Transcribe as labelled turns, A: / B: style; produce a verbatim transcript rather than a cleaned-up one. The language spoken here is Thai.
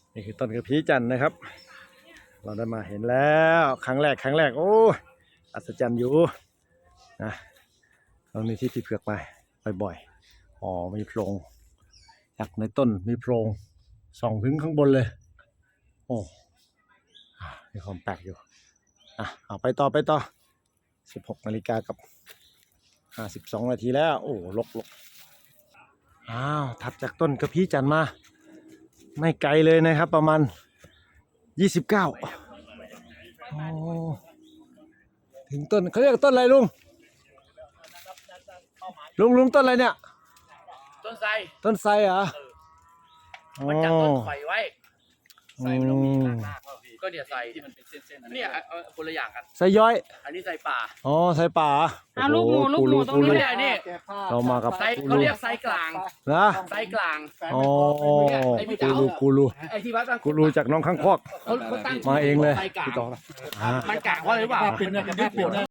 A: นี่คือต้นกระพี้จันทร์นะครับเราได้มาเห็นแล้วครั้งแรกครั้งแรกโอ้อัศจรรย์อยู่นะตรงนี้ที่ที่เผือกไปบ่อยๆอ๋อมีโพรงจากในต้นมีโพรงส่องถึงข้างบนเลยโอ้มีความแปลกอยู่อ่ะเอาไปต่อไปต่อสิบหกนาฬิกากับห้าสิบสองนาทีแล้วโอ้ลกลกอ้าวถัดจากต้นกระพี้จันทร์มาไม่ไกลเลยนะครับประมาณยี่สิบเก้าโอ้ถึงต้นเขาเรียกต้นอะไรลุงลุงลุงต้นอะไรเนี่ย
B: ต้นไทร
A: ต้นไทรเหรอ
B: มันจับต้นไฟไว้
A: ไทรมันต้องมี
B: รากๆก็เนี่ยไทรที่มันเป็นเส้นๆเนี่ยคนละอย่างกัน
A: ไทรย้อย
B: อันนี้ไทรป่า
A: อ๋อไทรป่า
C: อ่ะลูกหมูลูกหมูตรงนี้
B: เนี่ยนี่
A: เรามากับ
B: ไทรเขาเรียกไทรกลาง
A: นะ
B: ไทรกลาง
A: อ๋อกูรูกูรู
B: ไอ้ที่วัด
A: กูรูจากน้องข้างคอกมาเองเลย
B: พี่ต่อมันกลางเพราะอะไรรู้ป่ะ